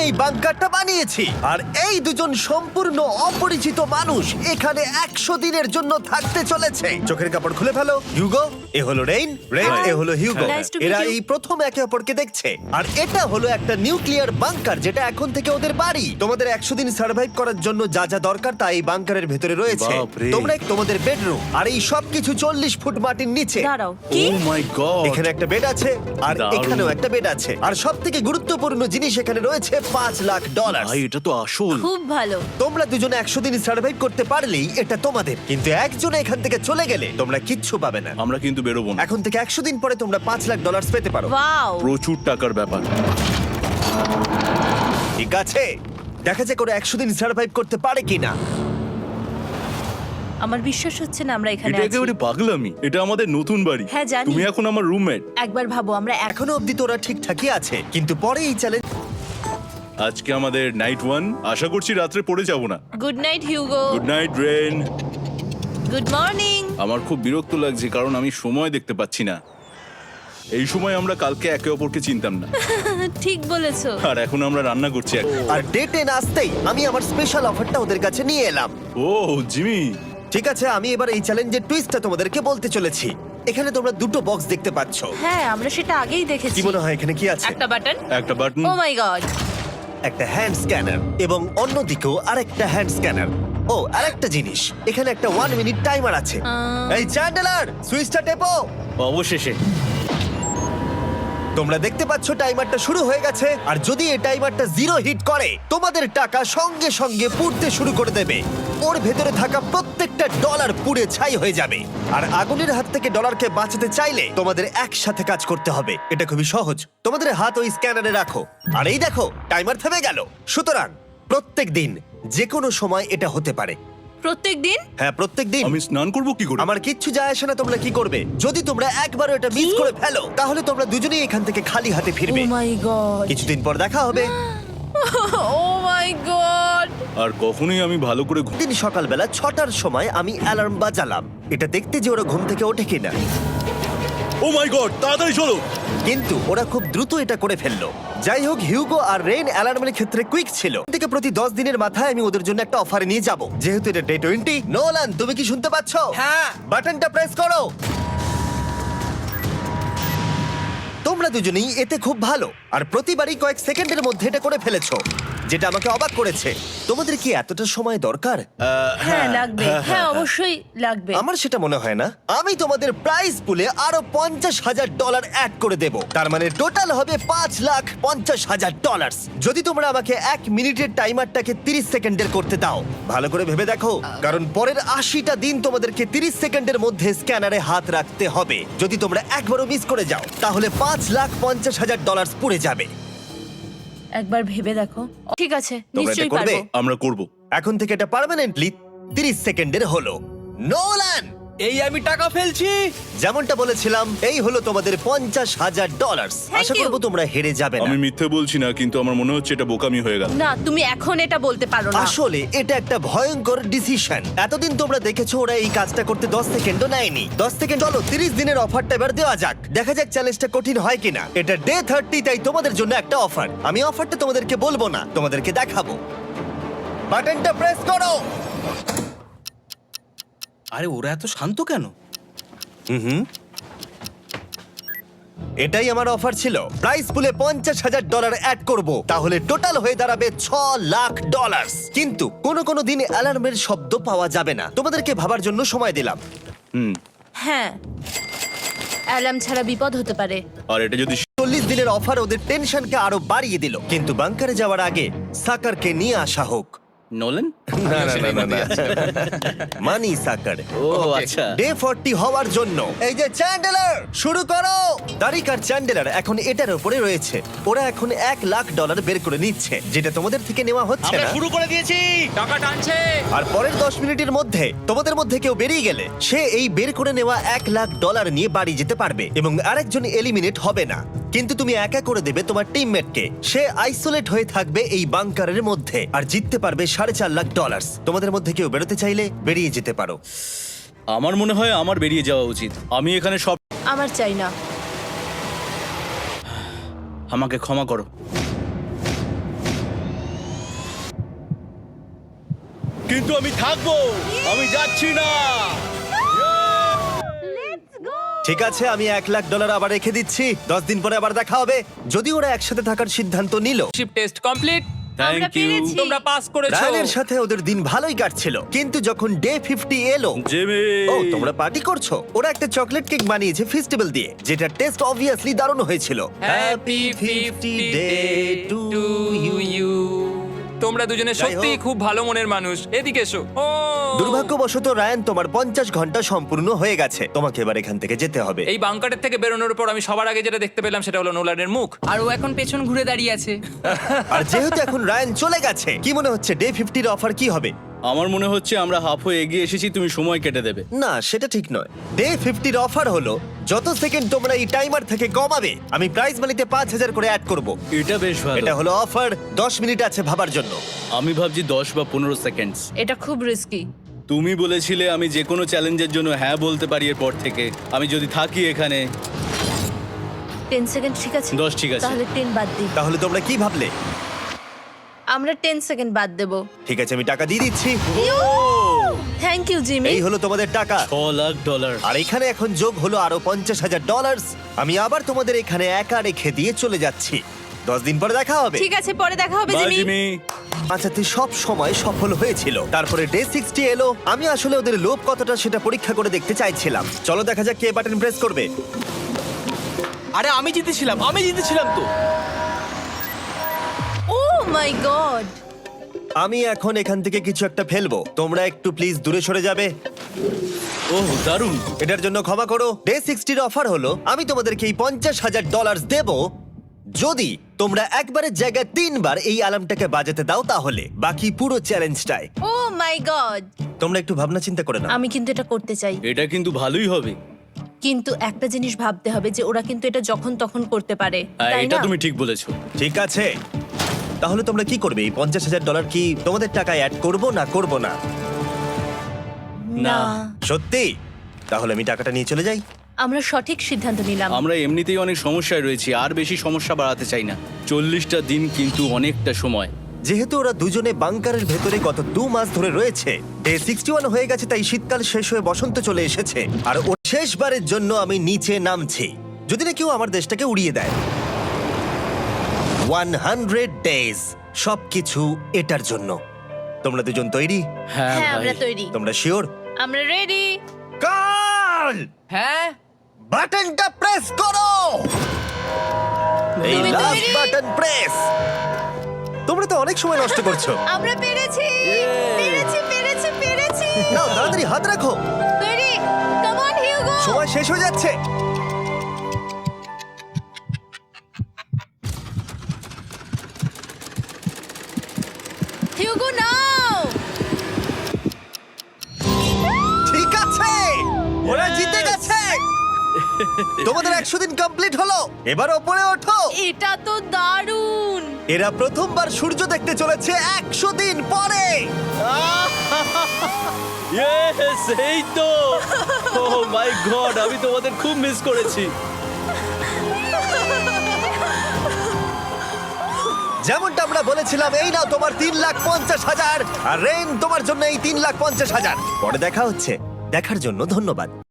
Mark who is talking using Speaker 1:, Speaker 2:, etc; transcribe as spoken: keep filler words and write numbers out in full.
Speaker 1: এই বাংকারটা বানিয়েছি, আর এই দুজন সম্পূর্ণ অপরিচিত মানুষ এখানে একশো দিনের জন্য থাকতে চলেছে। চোখের কাপড় খুলে ফেলো। হিউগো, এ হলো রেইন, রেইন এ হলো হিউগো।
Speaker 2: Nice to meet
Speaker 1: এরা
Speaker 2: you.
Speaker 1: এই প্রথম একে অপরকে দেখছে, আর এটা হলো একটা নিউক্লিয়ার বাংকার যেটা এখন থেকে ওদের বাড়ি। তোমাদের একশো দিন সার্ভাইভ করার জন্য যা যা দরকার তা এই বাংকারের ভেতরে রয়েছে।
Speaker 3: বাপরে।
Speaker 1: তোমরা তোমাদের বেডরুম, আর এই সবকিছু চল্লিশ ফুট মাটির নিচে।
Speaker 2: দাঁড়াও, কি?
Speaker 3: Oh my god.
Speaker 1: এখানে একটা বেড আছে, আর
Speaker 3: দারুণ।
Speaker 1: এখানেও একটা বেড আছে, আর সব থেকে গুরুত্বপূর্ণ জিনিস এখানে রয়েছে পাঁচ লাখ ডলার।
Speaker 3: ভাই এটা তো আসল।
Speaker 2: খুব ভালো।
Speaker 1: তোমরা দুজনে একশো দিন সার্ভাইভ করতে পারলেই এটা তোমাদের, কিন্তু একজন এখান থেকে চলে গেলে তোমরা কিচ্ছু পাবে না।
Speaker 3: আমরা কিন্তু বেরোবো না।
Speaker 1: এখন থেকে একশো দিন পরে তোমরা পাঁচ লাখ ডলার পেতে পারো।
Speaker 2: ওয়াও।
Speaker 3: প্রচুর টাকার ব্যাপার।
Speaker 1: ঠিক আছে, দেখা যাক করে একশো দিন সার্ভাইভ করতে পারে কিনা।
Speaker 2: আমার বিশ্বাস হচ্ছে না আমরা এখানে
Speaker 3: এটা
Speaker 2: আছি।
Speaker 3: একেবারে পাগলামি। এটা আমাদের নতুন বাড়ি।
Speaker 2: হ্যাঁ, জানি।
Speaker 3: তুমি এখন আমার রুমমেট।
Speaker 2: একবার ভাবো আমরা এক
Speaker 1: এখনো অব্দি তোরা ঠিকঠাকই আছে, কিন্তু পরে এই চ্যালেঞ্জ
Speaker 3: আজকে আমাদের নাইট ওয়ান। আশা করছি রাত্রে পড়ে যাব না।
Speaker 2: Good night Hugo.
Speaker 3: Good night Rain.
Speaker 2: Good morning.
Speaker 3: আমার খুব বিরক্ত লাগছে কারণ আমি সময় দেখতে পাচ্ছি না। এই সময় আমরা কালকে একে অপরকে চিনতাম না,
Speaker 2: ঠিক বলেছো।
Speaker 3: আর এখন আমরা রান্না করছি এক-
Speaker 1: আর ডে টেন আসতেই আমি আমার স্পেশাল অফারটা ওদের কাছে নিয়ে এলাম।
Speaker 3: ও জিমি,
Speaker 1: ঠিক আছে, আমি এবার এই চ্যালেঞ্জের টুইস্টটা তোমাদেরকে বলতে চলেছি। এখানে তোমরা দুটো বক্স দেখতে পাচ্ছ।
Speaker 2: হ্যাঁ, আমরা সেটা আগেই দেখেছি।
Speaker 1: কি মনে হয় এখানে কি আছে?
Speaker 2: একটা বাটন।
Speaker 3: একটা বাটন।
Speaker 2: Oh my god.
Speaker 1: একটা হ্যান্ড স্ক্যানার, এবং অন্যদিকেও আরেকটা হ্যান্ড স্ক্যানার। ও, আরেকটা জিনিস, এখানে একটা ওয়ান মিনিট টাইমার আছে।
Speaker 2: আহ।
Speaker 1: এই চ্যান্ডেলার, সুইচটা টেপো।
Speaker 3: অবশেষে
Speaker 1: তোমরা দেখতে পাচ্ছ টাইমারটা শুরু হয়ে গেছে, আর যদি এই টাইমারটা জিরো হিট করে তোমাদের টাকা সঙ্গে সঙ্গে পুড়তে শুরু করে দেবে। ওর ভেতরে থাকা প্রত্যেকটা ডলার পুড়ে ছাই হয়ে যাবে। আর আগুনের হাত থেকে ডলারকে বাঁচাতে চাইলে তোমাদের একসাথে কাজ করতে হবে। এটা খুবই সহজ। তোমাদের হাত ওই স্ক্যানারে রাখো, আর এই দেখো টাইমার থেমে গেল। সুতরাং প্রত্যেক দিন যে কোনো সময় এটা হতে পারে।
Speaker 2: প্রত্যেক দিন?
Speaker 1: হ্যাঁ, প্রত্যেক দিন।
Speaker 3: আমি স্নান করব কি করে?
Speaker 1: আমার কিচ্ছু যায় আসে না তোমরা কি করবে। যদি তোমরা একবারও এটা মিস করে ফেলো তাহলে তোমরা দুজনেই এখান থেকে খালি হাতে
Speaker 2: ও
Speaker 1: ফিরবে।
Speaker 2: My god.
Speaker 1: কিছুদিন পর দেখা হবে।
Speaker 2: ও মাই গড।
Speaker 3: আর কখনোই আমি ভালো করে ঘুম-
Speaker 1: দিন সকালবেলা ছটার সময় আমি অ্যালার্ম বাজালাম, এটা দেখতে যে ওরা ঘুম থেকে ওঠে কিনা।
Speaker 3: ও মাই গড, তাড়াতাড়ি চলো।
Speaker 1: কিন্তু ওরা খুব দ্রুত এটা করে ফেললো। যাই হোক, হিউগো আর রেইন অ্যালার্মের ক্ষেত্রে কুইক ছিল। থেকে প্রতি দশ দিনের মাথায় আমি ওদের জন্য একটা অফারে নিয়ে যাব, যেহেতু এটা ডে টোয়েন্টি। নোলান, তুমি কি শুনতে পাচ্ছ?
Speaker 4: হ্যাঁ।
Speaker 1: বাটনটা প্রেস করো। তোমরা দুজনেই এতে খুব ভালো, আর প্রতিবারই কয়েক সেকেন্ডের মধ্যে এটা করে ফেলেছো, যেটা আমাকে অবাক করেছে। তোমাদের কি এতটা সময় দরকার?
Speaker 2: হ্যাঁ লাগবে। হ্যাঁ অবশ্যই লাগবে।
Speaker 1: আমার সেটা মনে হয় না। আমি তোমাদের প্রাইস পুলে আরো পঞ্চাশ হাজার ডলার অ্যাড করে দেব, তার মানে টোটাল হবে পাঁচ লাখ পঞ্চাশ হাজার ডলার। যদি তোমরা আমাকে এক মিনিটের টাইমারটাকে তিরিশ সেকেন্ডের করতে দাও। ভালো করে ভেবে দেখো, কারণ পরের আশিটা দিন তোমাদেরকে তিরিশ সেকেন্ডের মধ্যে স্ক্যানারে হাত রাখতে হবে। যদি তোমরা একবারও মিস করে যাও তাহলে পাঁচ লাখ পঞ্চাশ হাজার ডলার পুড়ে যাবে।
Speaker 2: একবার ভেবে দেখো। ঠিক আছে,
Speaker 1: তোমরা এটা
Speaker 2: নিশ্চয়ই
Speaker 1: করবে?
Speaker 2: পারবো।
Speaker 3: আমরা করব।
Speaker 1: এখন থেকে এটা পার্মানেন্টলি তিরিশ সেকেন্ডের হলো। নোলান,
Speaker 4: এই আমি টাকা ফেলছি।
Speaker 1: যেমনটা বলেছিলাম, এই হলো তোমাদের পঞ্চাশ হাজার ডলার।
Speaker 2: Thank
Speaker 1: Asha
Speaker 2: you.
Speaker 1: করবো তোমরা হেরে যাবে না।
Speaker 3: আমি মিথ্যে বলছি না, কিন্তু আমার মনে হচ্ছে এটা বোকামি হয়ে গেল।
Speaker 2: না, তুমি এখন এটা বলতে পারো না।
Speaker 1: আসলে এটা একটা ভয়ঙ্কর ডিসিশন। এতদিন তোমরা দেখেছো ওরা এই কাজটা করতে দশ সেকেন্ডও নেয়নি। দশ সেকেন্ড চলো, তিরিশ দিনের অফারটা এবার দেওয়া যাক। দেখা যাক চ্যালেঞ্জটা কঠিন হয় কিনা। এটা ডে থার্টি, তাই তোমাদের জন্য একটা অফার। আমি অফারটা তোমাদেরকে বলবো না, তোমাদেরকে দেখাবো। বাটনটা প্রেস করো।
Speaker 4: আরে ওরা এত শান্ত কেন?
Speaker 1: হুম, এটাই আমার অফার ছিল। প্রাইস পুলে পঞ্চাশ হাজার ডলার অ্যাড করব, তাহলে টোটাল হয়ে দাঁড়াবে ছ লাখ ডলার। কিন্তু কোনো কোনো দিন অ্যালার্মের শব্দ পাওয়া যাবে না। তোমাদেরকে ভাবার জন্য সময় দিলাম।
Speaker 3: হুম।
Speaker 2: হ্যাঁ, অ্যালার্ম ছাড়া বিপদ হতে পারে।
Speaker 3: আর এটা যদি
Speaker 1: চল্লিশ দিনের অফার ওদের টেনশনকে আরো বাড়িয়ে দিল। কিন্তু বাংকারে যাওয়ার আগে সাকারকে নিয়ে আসা হোক।
Speaker 3: নোলেন।
Speaker 1: না না না না, না। মানি সাকার।
Speaker 3: ও আচ্ছা।
Speaker 1: ডে ফর্টি হওয়ার জন্য এই যে চ্যান্ডেলার শুরু করো। তারিক আর চ্যান্ডেলার এখন এটার উপরে রয়েছে। ওরা এখন এক লাখ ডলার বের করে নিচ্ছে, যেটা তোমাদের থেকে নেওয়া হচ্ছে
Speaker 4: আমরা
Speaker 1: না।
Speaker 4: শুরু করে দিয়েছি, টাকা টানছে।
Speaker 1: আর পরের দশ মিনিটের মধ্যে তোমাদের মধ্যে কেউ বেরিয়ে গেলে সে এই বের করে নেওয়া এক লাখ ডলার নিয়ে বাড়ি যেতে পারবে, এবং আরেকজন এলিমিনেট হবে না। কিন্তু তুমি একা করে দেবে তোমার টিমমেটকে। সে আইসোলেট হয়ে থাকবে এই বাংকারের মধ্যে, আর জিততে পারবে সাড়ে চার লাখ ডলার। তোমাদের মধ্যে কেউ বেরোতে চাইলে বেরিয়ে যেতে পারো।
Speaker 3: আমার মনে হয় আমার বেরিয়ে যাওয়া উচিত। আমি এখানে সব।
Speaker 2: আমার চাই না।
Speaker 3: আমাকে ক্ষমা করো।
Speaker 5: কিন্তু আমি থাকবো, আমি যাচ্ছি না।
Speaker 1: ঠিক আছে, আমি এক লাখ ডলার আবার রেখে দিচ্ছি। দশ দিন পরে আবার দেখা হবে। যদি ওরা একসাথে থাকার সিদ্ধান্ত নিল।
Speaker 4: Ship test complete.
Speaker 2: আমরা
Speaker 5: থ্যাংক ইউ
Speaker 2: পেরেছি।
Speaker 4: তোমরা পাস করেছো।
Speaker 1: রায়ানের সাথে ওদের দিন ভালোই কাটছিল, কিন্তু যখন ডে ফিফটি এলো,
Speaker 5: জিমি।
Speaker 1: ও তোমরা পার্টি করছো। ওরা একটা চকলেট কেক বানিয়েছে ফেস্টিভ্যাল দিয়ে, যেটা টেস্ট অবভিয়াসলি দারুণ হয়েছিল।
Speaker 4: Happy fifty day to you. তোমরা দুজনে
Speaker 1: যাই
Speaker 4: সত্যি
Speaker 1: হোক।
Speaker 4: খুব ভালো মনের মানুষ। এদিকে এসো। ও
Speaker 1: দুর্ভাগ্যবশত রায়ান, তোমার পঞ্চাশ ঘন্টা সম্পূর্ণ হয়ে গেছে। তোমাকে এবার এখান থেকে যেতে হবে।
Speaker 4: এই বাংকারের থেকে বেরোনোর পর আমি সবার আগে যেটা দেখতে পেলাম সেটা হলো নোলানের মুখ।
Speaker 6: আর ও এখন পেছন ঘুরে দাঁড়িয়ে আছে।
Speaker 1: আর যেহেতু এখন রায়ান চলে গেছে, কি মনে হচ্ছে ডে ফিফটির অফার কি হবে?
Speaker 5: আমার মনে হচ্ছে আমরা হাফ হয়ে এগিয়ে এসেছি, তুমি সময় কেটে দেবে।
Speaker 1: না, সেটা ঠিক নয়। ডে ফিফটির অফার হলো যত সেকেন্ড তোমরা এই টাইমার থেকে কমাবে, আমি প্রাইজ মানিতে পাঁচ হাজার করে অ্যাড করব।
Speaker 5: এটা বেশ ভালো।
Speaker 1: এটা হলো অফার। দশ মিনিট আছে ভাবার জন্য।
Speaker 5: আমি ভাবছি দশ বা পনেরো সেকেন্ডস।
Speaker 2: এটা খুব রিস্কি।
Speaker 5: তুমি বলেছিলে আমি যে কোনো চ্যালেঞ্জের জন্য হ্যাঁ বলতে পারি এরপর থেকে। আমি যদি থাকি এখানে।
Speaker 2: টেন সেকেন্ড ঠিক আছে?
Speaker 5: দশ ঠিক আছে।
Speaker 2: তাহলে টেন বাদ দিই।
Speaker 1: তাহলে তোমরা কি ভাবলে?
Speaker 2: আমরা টেন সেকেন্ড বাদ দেবো।
Speaker 1: ঠিক আছে, আমি টাকা দিয়ে দিচ্ছি।
Speaker 2: Thank you Jimmy.
Speaker 1: এই হলো তোমাদের টাকা।
Speaker 5: ছ লাখ ডলার।
Speaker 1: আর এখানে এখন যোগ হলো আরো পঞ্চাশ হাজার ডলার। আমি আবার তোমাদের এখানে একা রেখে দিয়ে চলে যাচ্ছি। দশ দিন পরে দেখা হবে।
Speaker 2: ঠিক আছে, পরে দেখা হবে
Speaker 5: বাই
Speaker 2: জিমি।
Speaker 5: জিমি।
Speaker 1: বাঁচাতে সব সময় সফল হয়েছিল। তারপরে ডে সিক্সটি এলো। আমি আসলে ওদের লোভ কতটা সেটা পরীক্ষা করে দেখতে চাইছিলাম। চলো দেখা যাক কে বাটন প্রেস করবে।
Speaker 4: আরে আমি জিতেছিলাম, আমি জিতেছিলাম তো।
Speaker 2: Oh my god.
Speaker 1: আমি এখন এখান থেকে কিছু একটা ফেলবো। তোমরা একটু প্লিজ দূরে সরে যাবে।
Speaker 5: ওহ দারুণ।
Speaker 1: এটার জন্য ক্ষমা করো। ডে সিক্সটির অফার হলো আমি তোমাদেরকে এই পঞ্চাশ হাজার ডলার দেব যদি তোমরা একবারের জায়গায় তিনবার এই অ্যালার্মটাকে বাজাতে দাও। তাহলে বাকি পুরো চ্যালেঞ্জটাই
Speaker 2: ও মাই গড।
Speaker 1: তোমরা একটু ভাবনা চিন্তা করে নাও।
Speaker 2: আমি কিন্তু এটা করতে চাই,
Speaker 5: এটা কিন্তু ভালোই হবে।
Speaker 2: কিন্তু একটা জিনিস ভাবতে হবে যে ওরা কিন্তু এটা যখন তখন করতে পারে,
Speaker 5: হ্যাঁ,
Speaker 2: তাই
Speaker 5: এটা
Speaker 2: না?
Speaker 5: তুমি ঠিক বলেছো।
Speaker 1: ঠিক আছে, তাহলে তোমরা কি করবে? এই পঞ্চাশ হাজার ডলার কি তোমাদের টাকায় অ্যাড করবো না করবো না?
Speaker 2: না,
Speaker 1: সত্যি? তাহলে আমি টাকাটা নিয়ে চলে যাই।
Speaker 2: আমরা সঠিক সিদ্ধান্ত নিলাম।
Speaker 5: আমরা এমনিতেই অনেক সমস্যায় রয়েছি, আর বেশি সমস্যা বাড়াতে চাই না। চল্লিশটা দিন কিন্তু অনেকটা সময়।
Speaker 1: যেহেতু ওরা দুজনে বাংকারের ভেতরে গত দু মাস ধরে রয়েছে, ডে সিক্সটি ওয়ান হয়ে গেছে, তাই শীতকাল শেষ হয়ে বসন্ত চলে এসেছে। আর ও শেষবারের জন্য আমি নিচে নামছি, যদি না কেউ আমার দেশটাকে উড়িয়ে দেয়। ওয়ান হান্ড্রেড ডেজ, সবকিছু এটার জন্য। তোমরা দুজন তৈরি?
Speaker 5: হ্যাঁ
Speaker 2: হ্যাঁ,
Speaker 5: ভাই।
Speaker 2: আমরা তৈরি।
Speaker 1: তোমরা শিওর?
Speaker 2: আমরা রেডি।
Speaker 1: কাল
Speaker 6: হ্যাঁ
Speaker 1: বাটনটা প্রেস করো। এই
Speaker 2: তুমি
Speaker 1: লাস্ট
Speaker 2: তৈরি?
Speaker 1: Button press. তোমরা তো অনেক সময় নষ্ট করছো।
Speaker 2: আমরা পেরেছি, পেরেছি, পেরেছি, পেরেছি।
Speaker 1: নাও তাড়াতাড়ি হাত রাখো,
Speaker 2: তৈরি? Come on Hugo.
Speaker 1: সময় শেষ হয়ে যাচ্ছে।
Speaker 2: হিউগো নাও।
Speaker 1: ঠিক আছে, ওরা জিতে গেছে। তোমাদের একশো দিন কমপ্লিট হলো। এবার ওপরে ওঠো।
Speaker 2: এটা তো দারুণ।
Speaker 1: এরা প্রথমবার সূর্য দেখতে চলেছে একশো দিন পরে।
Speaker 5: Yes, এই তো। Oh my God, আমি তোমাদের খুব মিস করেছি।
Speaker 1: যেমনটা আমরা বলেছিলাম, এই নাও তোমার তিন লাখ পঞ্চাশ হাজার, আর রেন তোমার জন্য এই তিন লাখ পঞ্চাশ হাজার। পরে দেখা হচ্ছে। দেখার জন্য ধন্যবাদ।